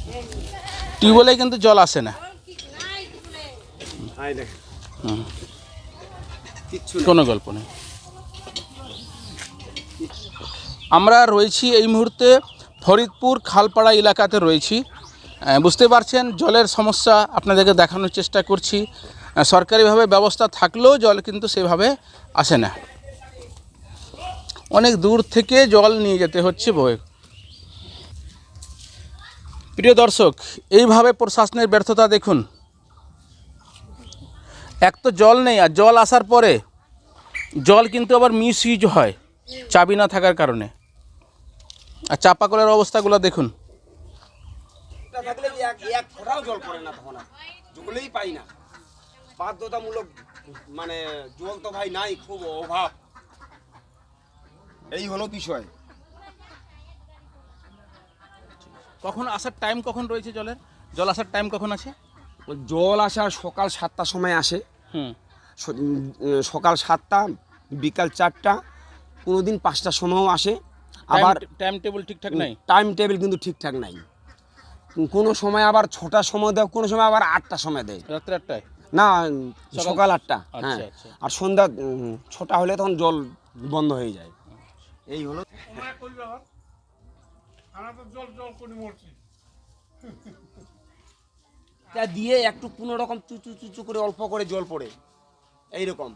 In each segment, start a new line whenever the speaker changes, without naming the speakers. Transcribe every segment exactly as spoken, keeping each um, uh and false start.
টিউবওয়েলে কিন্তু জল আসে না, কোনো গল্প নেই। আমরা রয়েছি এই মুহূর্তে ফরিদপুর খালপাড়া এলাকাতে রয়েছি। বুঝতে পারছেন জলের সমস্যা আপনাদেরকে দেখানোর চেষ্টা করছি। সরকারিভাবে ব্যবস্থা থাকলেও জল কিন্তু সেভাবে আসে না, অনেক দূর থেকে জল নিয়ে যেতে হচ্ছে বয়ে। প্রিয় দর্শক, এইভাবে প্রশাসনের ব্যর্থতা দেখুন। এক তো জল নেই, আর জল আসার পরে জল কিন্তু আবার মিস ইউজ হয় চাবি না থাকার কারণে। আর চাপাকলের অবস্থাগুলো দেখুন।
জল পড়ে না, তখন জলেই পাই না, বাধ্যতামূলক মানে জল তো ভাই নাই, খুব অভাব। এই হলো বিষয়।
কখন আসার টাইম কখন রয়েছে জলের? জল আসার টাইম কখন আছে?
জল আসার সকাল সাতটার সময় আসে।
হুম,
সকাল সাতটা, বিকাল চারটা, কোনো দিন পাঁচটার সময়ও আসে। আবার
টাইম টেবিল ঠিকঠাক নাই,
টাইম টেবিল কিন্তু ঠিকঠাক নাই। কোনো সময় আবার ছটার সময় দেয়, কোনো সময় আবার আটটার সময় দেয়।
রাত্রে আটটায়
না, সকাল আটটা।
আচ্ছা,
হ্যাঁ,
আচ্ছা।
আর সন্ধ্যা ছটা হলে তখন জল বন্ধ হয়ে যায়। এই হলো দিয়ে একটু কোনো রকম চুচু চুচু করে অল্প করে জল পড়ে এইরকম।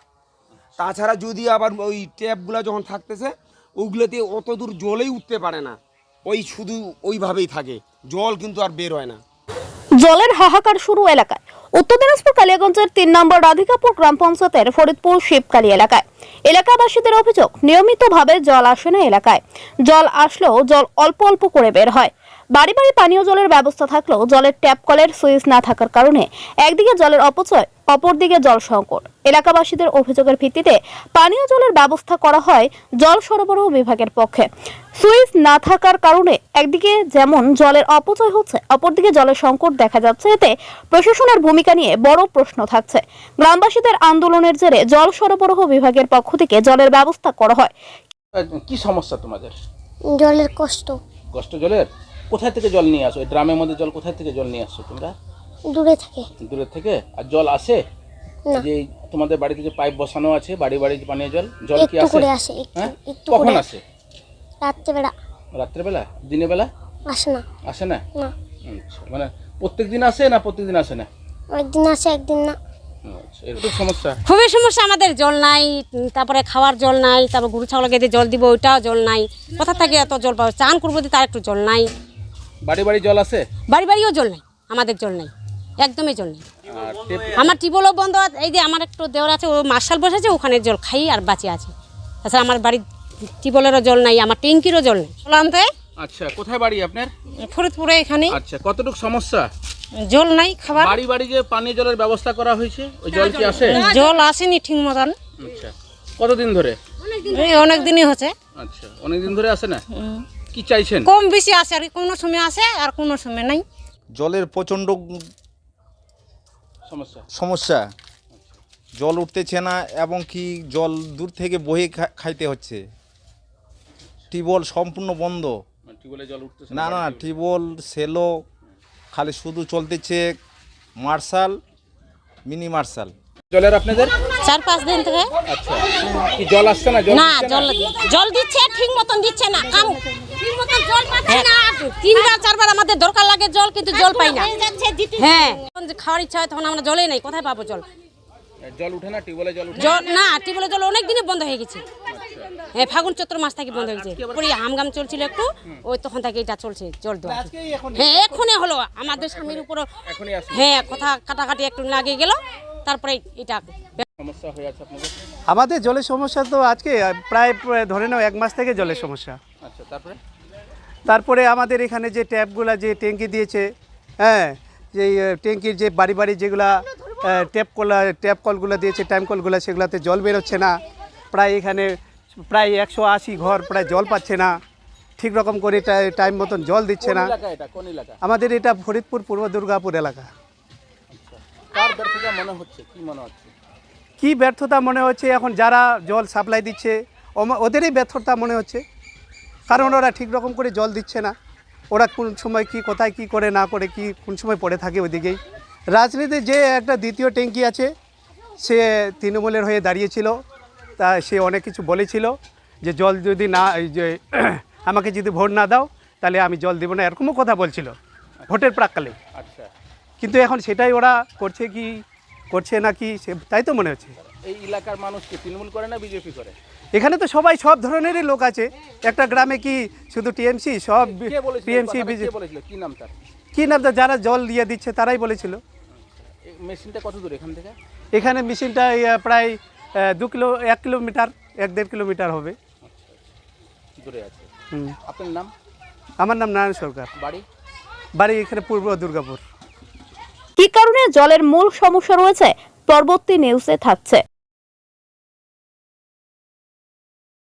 তাছাড়া যদি আবার ওই ট্যাপগুলো যখন থাকতেছে ওইগুলোতে অত দূর জলেই উঠতে পারে না, ওই শুধু ওইভাবেই থাকে, জল কিন্তু আর বের হয় না।
জলের হাহাকার শুরু এলাকায়। উত্তর দিনাজপুর কালিয়াগঞ্জের তিন নম্বর রাধিকাপুর গ্রাম পঞ্চায়েতের ফরিদপুর শিবকালী এলাকায় এলাকাবাসীদের অভিযোগ নিয়মিতভাবে জল আসে না এলাকায়। জল আসলেও জল অল্প অল্প করে বের হয়। বাড়ি বাড়ি পানীয় জলের ব্যবস্থা থাকলেও জলের ট্যাপ কলের সুইচ না থাকার কারণে একদিকে জলের অপচয়, অপরদিকে জল সংকট। এলাকাবাসীদের অভিযোগের ভিত্তিতে পানীয় জলের ব্যবস্থা করা হয় জল সরবরাহ বিভাগের পক্ষে। সুইচ না থাকার কারণে একদিকে যেমন জলের অপচয় হচ্ছে, অপরদিকে জলের সংকট দেখা যাচ্ছে। এতে প্রশাসনের ভূমিকা নিয়ে বড় প্রশ্ন থাকছে। গ্রামবাসীদের আন্দোলনের জেরে জল সরবরাহ বিভাগের পক্ষ থেকে জলের ব্যবস্থা করা হয়।
কি সমস্যা তোমাদের?
জলের কষ্ট।
কষ্ট জলের? কোথায় থেকে জল নিয়ে আসো? ড্রামের মধ্যে জল কোথায় থেকে জল নিয়ে আসছো তোমরা?
দূরে থেকে।
দূরে থেকে? আর জল আসে? যে তোমাদের বাড়িতে যে পাইপ বসানো আছে, বাড়ি বাড়ি পানীয় জল, জল কি আসে?
করে আসে,
হ্যাঁ,
একটু
কখন
করে
আসে?
রাত্রে বেলা।
রাত্রে বেলা? দিনে বেলা
আসে না।
আসে না?
না।
আচ্ছা, মানে প্রত্যেক দিন আসে না প্রত্যেকদিন আসে না?
একদিন আসে, একদিন না।
আচ্ছা, এরকম সমস্যা।
খুবই সমস্যা আমাদের, জল নাই, তারপরে খাওয়ার জল নাই, তারপর গরু ছাগলকে দিয়ে জল দিব ওইটাও জল নাই। কোথা থেকে এত জল পাবো? চান করবো তার একটু জল নাই।
বাড়ি বাড়ি জল আছে?
বাড়ি বাড়িও জল নাই, আমাদের জল নাই, একদমই জল নেই।
আর টেপ?
আমার টিউবওয়েলও বন্ধ। এই যে আমার একটু দেওয়ার আছে, ও মার্শাল বসেছে, ওখানে জল খাই আর বাঁচে আছে। তাছাড়া আমার বাড়ির টিউবওয়েলেরও জল নাই, আমার ট্যাঙ্কিরও জল নেই। আনতে
আচ্ছা, কোথায় বাড়ি আপনার?
ফরিদপুরে এখানে।
আচ্ছা, কতটুকু সমস্যা?
জল নাই, খাবার।
বাড়ি বাড়ি যে পানীয় জলের ব্যবস্থা করা হয়েছে, ওই জল কি আসে?
জল আসেনি ঠিক মতন।
আচ্ছা, কতদিন ধরে?
এই অনেক দিনই হচ্ছে।
আচ্ছা, অনেক দিন ধরে আসে না? কি চাইছেন?
কম বেশি আসে, আর কোনো সময় আসে আর কোনো সময় নাই।
জলের প্রচণ্ড
সমস্যা
সমস্যা, জল উঠতেছে না এবং কি জল দূর থেকে বয়ে খা- খাইতে হচ্ছে। টিউবওয়েল সম্পূর্ণ বন্ধ।
টিউবওয়েলে জল উঠতেছে
না না, টিউবওয়েল সেলো খালি শুধু চলতেছে মার্শাল, মিনি মার্শাল।
জলের আপনাদের
চার পাঁচ দিন থেকে।
আচ্ছা, কি জল আসছে না? জল
না,
দিচ্ছে
জল জল দিচ্ছে ঠিক মতন দিচ্ছে না। কাম ঠিক মতন জল পাচ্ছে না। তিনবার চারবার আমাদের দরকার লাগে জল, কিন্তু জল পাই না। হ্যাঁ, যখন খাওয়ার ইচ্ছা হয় তখন আমরা জলে নাই, কোথায় পাবো জল?
জল উঠে না? টিউবওয়েলে জল উঠে
জল না, টিউবওয়েলের জল অনেক দিনে বন্ধ হয়ে গেছে। হ্যাঁ, ফাগুন চৈত্র মাস থেকে বন্ধ হয়ে গেছে। পরে হামগাম চলছিল একটু, ওই তখন থেকে এটা চলছে জল দেওয়া। হ্যাঁ, এখনই হলো আমাদের স্বামীর উপর।
এখনই আসে?
হ্যাঁ, কথা কাটাকাটি একটু লাগে গেল, তারপরে এটা
সমস্যা হয়ে আছে আপনাদের?
আমাদের জলের সমস্যা তো আজকে প্রায় প্রায় ধরে নাও এক মাস থেকে জলের সমস্যা।
আচ্ছা, তারপরে
তারপরে আমাদের এখানে যে ট্যাপগুলো যে ট্যাঙ্কি দিয়েছে, হ্যাঁ, যে ট্যাঙ্কির যে বাড়ি বাড়ি যেগুলা ট্যাপ কল ট্যাপ কলগুলো দিয়েছে, টাইম কলগুলো, সেগুলোতে জল বেরোচ্ছে না। প্রায় এখানে প্রায় একশো আশি ঘর প্রায় জল পাচ্ছে না, ঠিক রকম করে টাইম মতন জল দিচ্ছে না।
কোন এলাকা?
আমাদের এটা ফরিদপুর পূর্ব দুর্গাপুর এলাকা।
কার ব্যর্থতা মনে হচ্ছে? কি মনে হচ্ছে?
কি ব্যর্থতা মনে হচ্ছে? এখন যারা জল সাপ্লাই দিচ্ছে ওদেরই ব্যর্থতা মনে হচ্ছে, কারণ ওরা ঠিক রকম করে জল দিচ্ছে না। ওরা কোন সময় কি কোথায় কি করে না করে কি কোন সময় পড়ে থাকে ওইদিকেই। রাজনীতির যে একটা দ্বিতীয় ট্যাঙ্কি আছে সে তৃণমূলের হয়ে দাঁড়িয়েছিল, তা সে অনেক কিছু বলেছিল যে জল যদি না এই যে আমাকে যদি ভোট না দাও তাহলে আমি জল দেবো না, এরকমও কথা বলছিল ভোটের প্রাককালে।
আচ্ছা,
কিন্তু এখন সেটাই ওরা করছে কি করছে না কি সে তাই তো মনে হচ্ছে।
এই এলাকার মানুষকে তৃণমূল করে না বিজেপি করে?
এখানে তো সবাই সব ধরনেরই লোক আছে, একটা গ্রামে কি শুধু টিএমসি, সব
কে বলেছিল এই
টিএমসি
কথাটা? কে
বিজেপি।
বলেছিল? কি নাম তার?
কি নাম তা যারা জল দিয়ে দিচ্ছে তারাই বলেছিল।
এই মেশিনটা কত দূর এখান থেকে?
এখানে মেশিনটা এই, আহ, প্রায় আহ, দু কিলো এক কিলোমিটার এক দেড় কিলোমিটার হবে।
দূরে আছে।
হুম।
আপনার নাম?
আমার নাম নারায়ণ সরকার,
বাড়ি?
বাড়ি এখানে পূর্ব দুর্গাপুর।
কি কারণে জলের মূল সমস্যা রয়েছে পরবর্তী নিউজে থাকছে।